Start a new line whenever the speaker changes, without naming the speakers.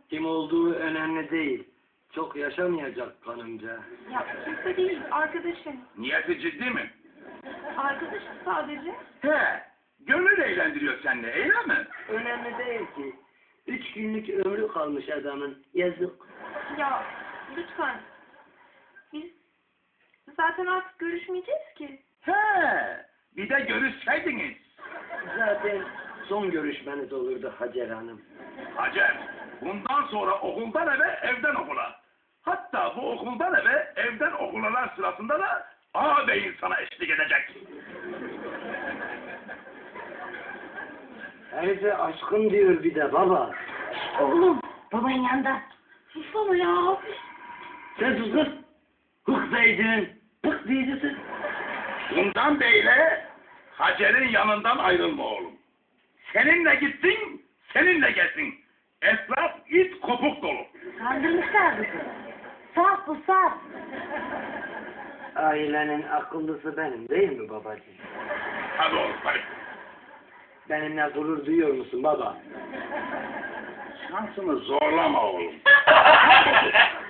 Kim olduğu önemli değil. Çok yaşamayacak kanımca.
Ya kimse değil, arkadaşım.
Niyeti ciddi mi?
Arkadaşım sadece.
He, gönül eğlendiriyor seninle, öyle mi?
Önemli değil ki. 3 günlük ömrü kalmış adamın. Yazık.
Ya lütfen. Biz zaten artık görüşmeyeceğiz ki.
He, bir de görüşseydiniz.
Zaten son görüşmeniz olurdu Hacer Hanım.
Hacer, bundan sonra okuldan eve, evden okula. Hatta bu okuldan eve, evden okulalar sırasında da ağabeyin sana eşlik edecek.
Herife aşkım diyor bir de baba.
Oğlum, babanın yanında. Susana ya.
Sen sus kız. Hık zeydin. Hık diyeceksin.
Bundan beyle Hacer'in yanından ayrılma oğlum. Seninle gitsin, seninle gelsin. Etraf it kopuk dolu.
Kandırmışlar bizi. Saf bu saf.
Ailenin akıllısı benim değil mi babacığım?
Hadi oğlum, hadi.
Benimle gurur duyuyor musun baba?
Şansını zorlama oğlum.